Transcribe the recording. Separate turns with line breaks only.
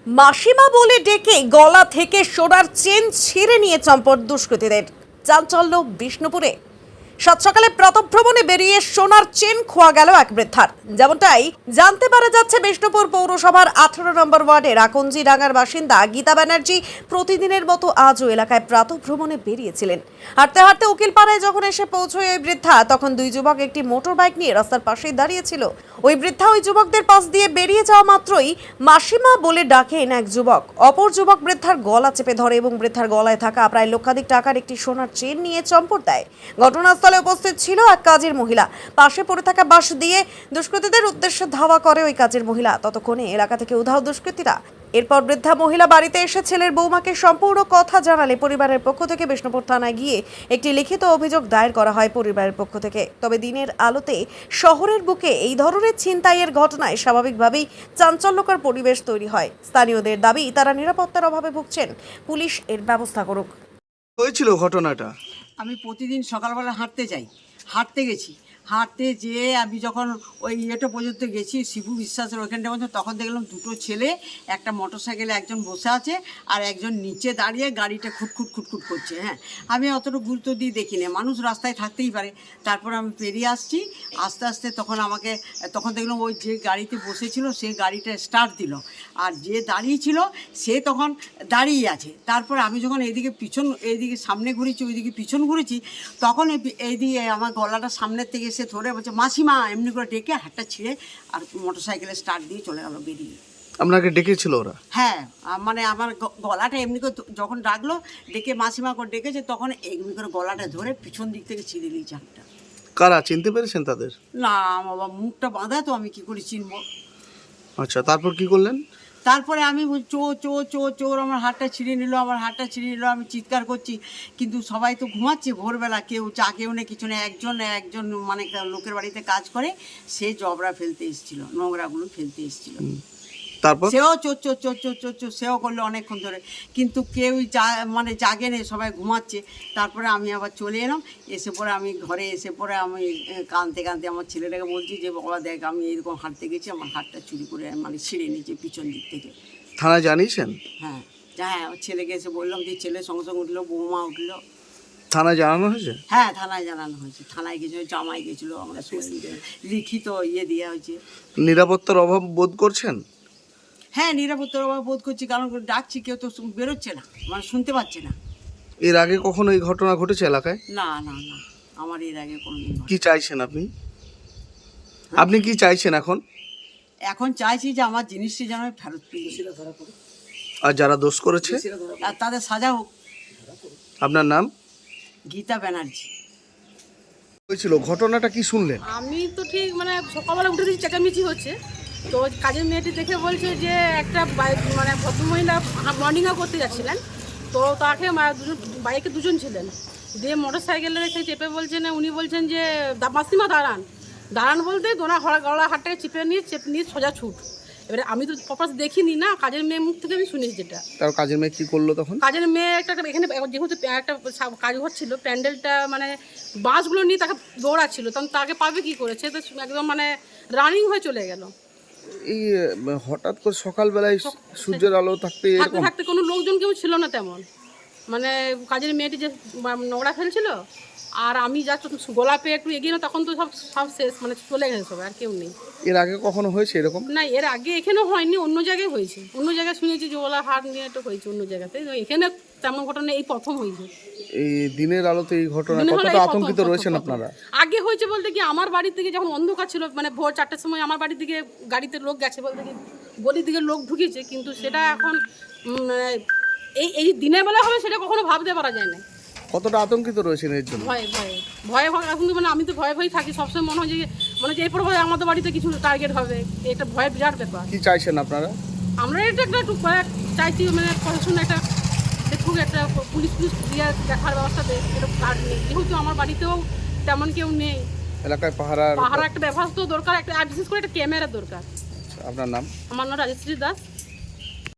মাসিমা বলে ডেকে গলা থেকে সোনার চেন ছিঁড়ে নিয়ে চম্পট দুষ্কৃতীদের। চাঞ্চল্য বিষ্ণুপুরে। সাত সকালে প্রাতঃভ্রমণে বেরিয়ে সোনার চেন খোয়া গেল এক বৃদ্ধার। যেমনটাই জানতে পারা যাচ্ছে, বিষ্ণুপুর পৌরসভার 18 নম্বর ওয়ার্ডের আকঞ্জি ডাঙ্গার বাসিন্দা গীতা ব্যানার্জি প্রতিদিনের মতো আজও এলাকায় প্রাতঃভ্রমণে বেরিয়েছিলেন। হাঁটতে হাঁটতে উকিলপাড়ায় যখন এসে পৌঁছয় ওই বৃদ্ধা, তখন দুই যুবক একটি মোটর বাইক নিয়ে রাস্তার পাশেই দাঁড়িয়েছিল। ওই বৃদ্ধা ওই যুবকদের পাশ দিয়ে বেরিয়ে যাওয়া মাত্রই মাসিমা বলে ডাকেন এক যুবক। অপর যুবক বৃদ্ধার গলা চেপে ধরে এবং বৃদ্ধার গলায় থাকা প্রায় লক্ষাধিক টাকার একটি সোনার চেন নিয়ে চম্পট দেয়। ঘটনাস্থলে উপস্থিত ছিল এক কাজের মহিলা। পাশে পড়ে থাকা বাঁশ দিয়ে দুষ্কৃতীদের উদ্দেশ্যে ধাওয়া করে ওই কাজের মহিলা। ততক্ষণে এলাকা থেকে উধাও দুষ্কৃতীরা। এরপর বৃদ্ধা মহিলা বাড়িতে এসে ছেলের বৌমাকে সম্পূর্ণ কথা জানালে পরিবারের পক্ষ থেকে বিষ্ণুপুর থানায় গিয়ে একটি লিখিত অভিযোগ দায়ের করা হয় পরিবারের পক্ষ থেকে। তবে দিনের আলোতে শহরের বুকে এই ধরনের ছিনতাইয়ের ঘটনায় স্বাভাবিকভাবেই চাঞ্চল্যকর পরিবেশ তৈরি হয়। স্থানীয়দের দাবি, তারা নিরাপত্তার অভাবে ভুগছেন, পুলিশ এর ব্যবস্থা করুক।
হয়েছিল ঘটনাটা?
আমি প্রতিদিন সকালবেলা হাঁটতে গেছি। হাঁটতে যেয়ে আমি যখন ওই ইয়েটা পর্যন্ত গেছি, শিবু বিশ্বাসের ওইখানটা পর্যন্ত, তখন দেখলাম দুটো ছেলে, একটা মোটরসাইকেলে একজন বসে আছে আর একজন নিচে দাঁড়িয়ে গাড়িটা খুটখুট করছে। হ্যাঁ, আমি অতটা গুরুত্ব দিয়ে দেখি না, মানুষ রাস্তায় থাকতেই পারে। তারপর আমি পেরিয়ে আসছি আস্তে আস্তে, তখন দেখলাম ওই যে গাড়িতে বসেছিল সে গাড়িটা স্টার্ট দিল, আর যে দাঁড়িয়েছিল সে তখন দাঁড়িয়ে আছে। তারপর আমি যখন এইদিকে সামনে ঘুরেছি, ওইদিকে পিছন ঘুরেছি, তখন এইদিকে আমার গলাটা সামনের থেকে সে ধরে বলছে মাসিমা, এমনি করে ডেকে হাতটা ছিঁড়ে আর মোটরসাইকেলে স্টার্ট দিয়ে চলে গেল বেরিয়ে।
আপনাকে ডেকেছিল ওরা?
হ্যাঁ, মানে আমার গলাটা এমনি করে যখন ডাকলো, ডেকে মাসিমা করে ডেকেছে, তখন এমনি করে গলাটা ধরে পিছন দিক থেকে ছিঁড়ে দিয়েছে হাতটা।
কারা, চিনতে পেরেছেন তাদের?
না বাবা, মুখটা বাঁধা তো, আমি কি করে চিনবো?
আচ্ছা, তারপর কি করলেন?
তারপরে আমি চোর আমার হাতটা ছিঁড়ে নিল, আমি চিৎকার করছি, কিন্তু সবাই তো ঘুমাচ্ছে। ভোরবেলা কেউ কেউ না কিছু না, একজন মানে লোকের বাড়িতে কাজ করে, সে জবরা ফেলতে এসেছিল, নোংরাগুলো ফেলতে এসেছিল।
তারপর
সেও চোর সেও করলো অনেকক্ষণ ধরে, কিন্তু কেউ জাগে নেই, সবাই ঘুমাচ্ছে। তারপরে আমি আবার চলে এলাম, এসে পরে আমি ঘরে এসে পরে আমি কাঁদতে আমার ছেলেটাকে বলছি যে বাবা দেখ, আমি এরকম হাঁটতে গেছি, আমার হাতটা চুরি করে মানে ছিঁড়ে নিয়েছে পিছন দিক থেকে।
থানায় জানিয়েছেন?
হ্যাঁ, আমার ছেলেকে এসে বললাম, যে ছেলে সঙ্গে সঙ্গে উঠলো, বৌমা উঠলো।
থানায় জানানো হয়েছে?
হ্যাঁ, থানায় জানানো হয়েছে। থানায় গেছিলো, জামাই গেছিলো, আমরা লিখিত দেওয়া হয়েছে।
নিরাপত্তার অভাব বোধ করছেন?
হ্যাঁ, নিরাপত্তার অভাব বোধ করছি, কারণ ডাকছি কেউ তো বেরোচ্ছে না, মানে শুনতে পাচ্ছে না।
এর আগে কখনো এই ঘটনা ঘটেছে এলাকায়?
না, আমার এর আগে কোনোদিন।
কি চাইছেন আপনি কি চাইছেন এখন?
এখন চাইছি যে আমার জিনিসটি যেন ফেরত পেয়ে,
আর যারা দোষ করেছে
আর তাদের সাজা হোক।
আপনার নাম?
গীতা ব্যানার্জি।
হয়েছিল ঘটনাটা কি শুনলেন?
আমি তো ঠিক মানে সকালবেলা উঠে দেখি চেঁচামেচি হচ্ছে, তো কাজের মেয়েটি দেখে বলছে যে একটা মানে ভদ্রমহিলা মর্নিং ওয়াক করতে যাচ্ছিলেন, তো তাকে বাইকে দুজন ছিলেন, দিয়ে মোটর সাইকেলে রেখে চেপে বলছেন, উনি বলছেন যে মাসিমা দাঁড়ান বলতে গলা হাতটাকে চেপে নিয়ে সোজা ছুট। এবারে আমি তো প্রপাস দেখিনি না, কাজের মেয়ে মুখ থেকে আমি শুনেছি যেটা।
তার কাজের মেয়ে কি করলো তখন?
কাজের মেয়ে এখানে যেহেতু একটা কাজ হচ্ছিল, প্যান্ডেলটা মানে বাঁশগুলো নিয়ে তাকে দৌড়াচ্ছিল, তখন তাকে পাবে কি করেছে, তো একদম মানে রানিং হয়ে চলে গেল।
এই হঠাৎ করে সকালবেলায় সূর্যের আলো থাকতে
কোনো লোকজন কেউ ছিল না তেমন, মানে কাজের মেয়েটি যে নোংরা ফেলছিল, আর আমি যা গোলা পেয়ে একটু এগিয়ে না, তখন তো সব শেষ, মানে চলে গেছে সবাই, আর কেউ নেই।
এর আগে কখনো হয়েছে এরকম?
না, এর আগে এখানেও হয়নি, অন্য জায়গায় হয়েছে, অন্য জায়গায় শুনেছি যে ওলা হাট নিয়ে একটা হয়েছে অন্য জায়গাতে, এখানে তেমন ঘটনা এই প্রথম হয়েছে।
এই দিনের আলোতে এই ঘটনা, কতটা আতঙ্কিত রয়েছেন আপনারা?
আগে হয়েছে বলতে কি, আমার বাড়ির দিকে যখন অন্ধকার ছিল, মানে ভোর 4টার সময় আমার বাড়ির দিকে গাড়িতে লোক গেছে, বলতে কি গলির দিকে লোক ঢুকেছে, কিন্তু সেটা এখন এই দিনের বেলা হবে সেটা কখনো ভাবতে পারা যায় না।
কতটা আতঙ্কিত রয়েছেন এর জন্য?
ভয়ে এখন তো মানে আমি তো ভয়ে থাকি সবসময়, মনে হয় যে এরপর হয় আমাদের বাড়িতে কিছু টার্গেট হবে, এটা ভয়ের বিরাট ব্যাপার।
কি চাইছেন আপনারা?
আমরা এটা একটা চাইছি, মানে প্রশাসন একটা দেখুক, একটা পুলিশ দিয়ে দেখার ব্যবস্থা দেয়, এটা কাজ নেই, যেহেতু আমার বাড়িতেও তেমন কেউ নেই,
এলাকায় পাহারা
একটা ব্যবস্থা দরকার, একটা বিশেষ করে একটা ক্যামেরা দরকার।
আপনার নাম?
আমার নাম রাজশ্রী দাস।